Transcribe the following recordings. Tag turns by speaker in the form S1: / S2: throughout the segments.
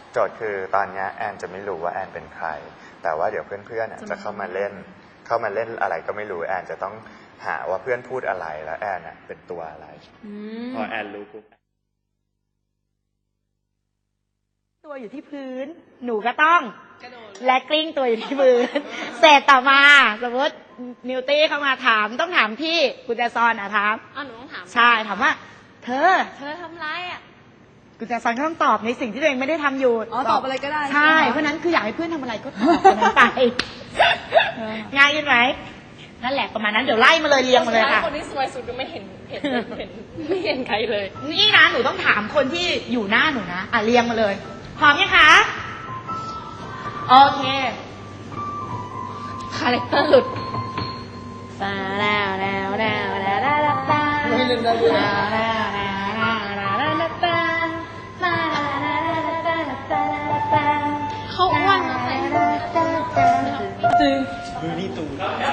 S1: โจทย์คือตอนนี้แอนจะไม่รู้ว่าแอนเป็นใครแต่ว่าเดี๋ยวเพื่อนๆจะเข้ามาเล่นอะไรก็ไม่รู้แอนจะต้องหาว่าเพื่อนพูดอะไรแล้วแอนเป็นตัวอะไรพอแอนรู้ปุ๊บ
S2: ตัวอยู่ที่พื้นหนูก็ต้องและกลิ้งตัวอยู่ที่พื้นเสร็จต่อมาสมมตินิวตี้เข้ามาถามต้องถามพี่กุญแจซอนถาม
S3: หนูต้องถาม
S2: ใช่ถามว่าเธอ
S3: ทำไร
S2: กุญแจซอนก็ต้องตอบในสิ่งที่ตัวเองไม่ได้ทำอยู่
S3: ตอบอะไรก็ได้
S2: ใช่เพราะนั้นคืออยากให้เพื่อนทำอะไรก็ตอบนั้นไปง่ายขึ้นไหมนั่นแหละประมาณนั้นเดี๋ยวไล่มาเลยเรียงมาเลยค่ะ
S3: คนที่สวยสุดก็ไม่เห็นใครเลย
S2: นี่นะหนูต้องถามคนที่อยู่หน้าหนูนะเรียงมาเลยพร้อมยังคะโอเค
S3: คาแรคเตอร์หลุด
S2: ตาแล้วไม่ลืมได้เลย
S3: เขาอ้วนนะแต่จริง
S1: มือนี่ตู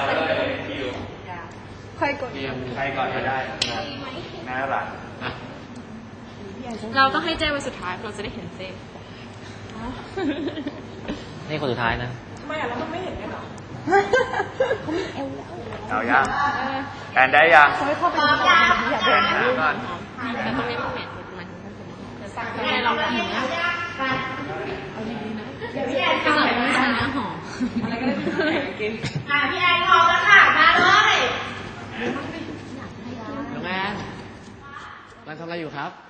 S3: ใครก่อน
S1: ก็ได้น่ารัก
S3: เราต้องให้เจ้ไปสุดท้ายเราจะได้เห็นเจ้
S4: นี่คนสุดท้ายนะ
S3: ทำไมแล้วมันไม่เห็นกันหรอ
S2: เขามีเอว
S1: เอายังแอนได้ยัง
S2: เขาไม่เข้าไปดูอยากเดิน
S1: ก่อน
S3: แต่ตรงนี้มันเหม็นมัน
S2: ไม่เราแบบนี้
S3: เอาดีๆนะพี่แอนก็แบบไม่ใช่น้ำหอมอะไรก็ได้กิน
S2: พี่แอนพร้อมแล้วค่ะมาเลย
S4: น้องแอนกำลังทำอะไรอยู่ครับ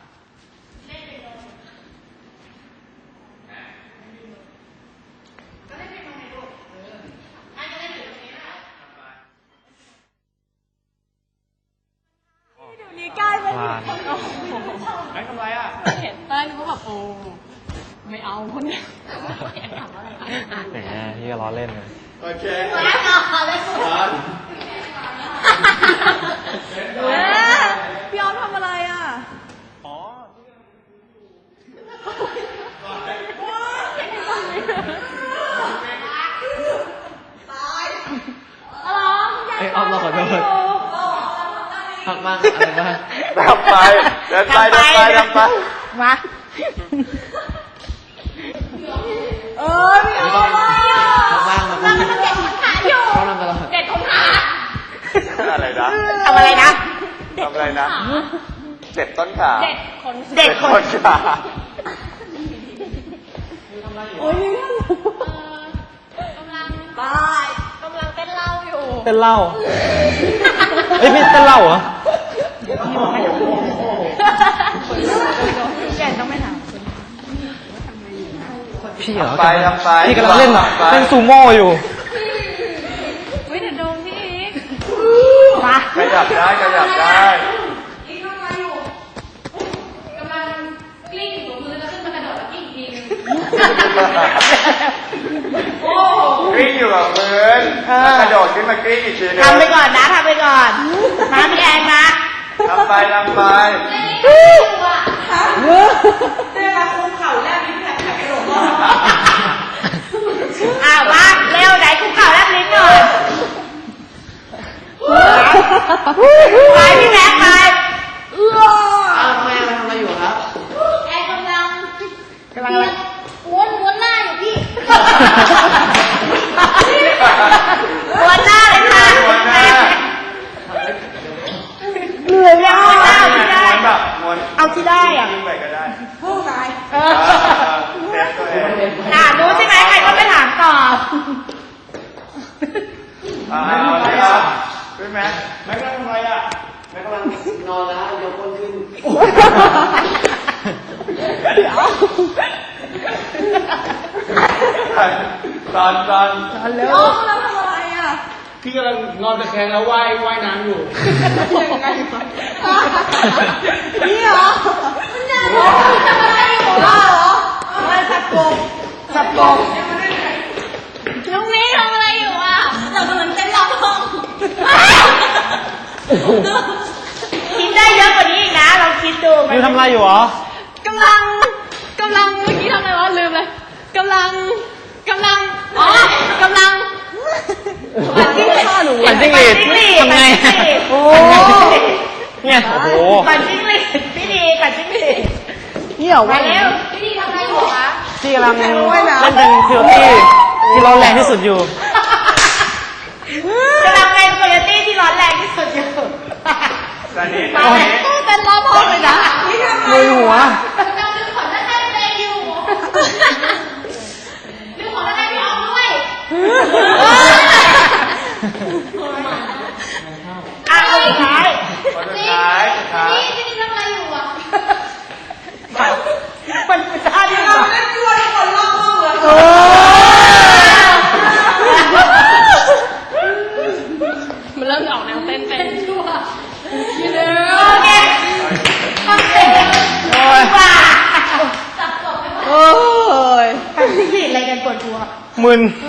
S3: ใกล้เลย
S1: ไม่ทำไร
S3: เห็นเต้ยก็แบบโอ้ไม่เอาคนเนี้ยถามอะไร
S4: แหมพี่ก็ล้อเล่นเลย
S1: โอเค
S3: พี่ออฟทำอะไร
S1: อ๋อ
S4: ไอ้ออฟเราขอโทษพักบ้างอะไรบ้าง
S1: ทำไปเดินไป
S2: มา
S3: พี่ออฟ
S4: พักบ้าง
S3: เราเด็ดคนขาอยู่เด็ดคนขา
S1: อะไรนะ
S2: ทำอะไรนะ
S1: เด็ดต้นขา
S3: เด็ดคน
S1: ขา
S3: โอ้ยกำลังเต้นเหล้าอยู่
S4: เต้นเหล้าเฮ้ยพี่เต้นเหล้าเหรอ
S2: แกต้องไม่ถาม
S4: พี่เหรอ
S1: ทำไป
S4: พี่กำลังเล่นซูโม่อยู่
S3: เดี๋ยวโดนพี่อีก
S1: ขยับได้
S3: อีกทำอะไรอยู่กำลังกลิ้งอยู่บนพื้นแล้วขึ้นมากระโดดแล้วกลิ้งทีนึง
S1: กลิ้งอยู่กับพื้นกระโดดขึ้นมากลิ้งอีกทีนึง
S2: ทำไปก่อนนะมาพี่แอนนะ
S1: ทำไป
S2: เจ้าคุมเข่าแรกลิ้นแผลกระโดดมาเร็วไหนคุมเข่าแรกลิ้นหน่อยไปพี่แม็กไป
S4: แม่ทำอะไรอยู่ครับ
S3: แอนกำลังม้วนหน้าอยู่พี่
S2: ม้วนหน้าเลยค่ะเหนื่อยมากเอาที่ได้อะผู้ชายรู้ใช่ไหมใครก็ไปถามต่อ
S1: พี่แม็กกำลังทำอะไรแม็กกำลัง
S4: นอนแล้วยกก้นขึ้น
S1: ตอน
S2: เร็ว
S3: เราทำอะไร
S4: พี่กำลังนอนตะแคงแล้วว่ายน้ำอยู่
S3: ยังไงนี่เหรอทำอะไรอยู่เหรอ
S2: สับกบ
S3: น้องมิ้นทำอะไรอยู่เรากำลังเต้นร้อง
S2: คิดได้เยอะกว่านี้อีกนะเราคิดดู
S4: อยู่ทำอะไรอยู่หร
S3: อกำลังเมื่อกี้ทำอะไรวะลืมเลยกำลัง
S4: ปั่นจิ้งหรีดทำไง
S2: โอ้
S4: เนี่ยโอ้โห
S2: ปั่นจิ้งหรีดพี่ดีปั่นจิ้งหรีด
S3: นี่เหรอวะพี่ดีทำอะไรอยู่คะ
S4: จที่กำลังเล่นเป็นพิวตี้ที่ร้อนแรงที่สุดอยู่
S2: กำลังเป็นโคโยตี้ที่ร้อนแรงที่สุดอยู่
S1: ตอนนี้
S2: มาเลยเป็นรอบห้องเลยนะ
S4: มือหัว
S3: กำลังดึงขนด้านในตัวเองอยู่ดึงขนด้านในพี่ออกด้วย
S2: อ่ะคนสุดท้าย
S1: คนสุดท้ายสุดท้าย
S3: นี่ทำอะไรอยู่อ่ะ
S2: มันคือท่าที่เราเล่นด้วยคนรอบห้องเลย
S3: มันเริ่มออกแนวเต้นชั่ว
S2: โอเคโอเคว่า
S3: จับจบไม่หมด
S4: โอ้ย
S2: ไปที่อะไรกันปวดหัว
S4: มึน
S2: เอ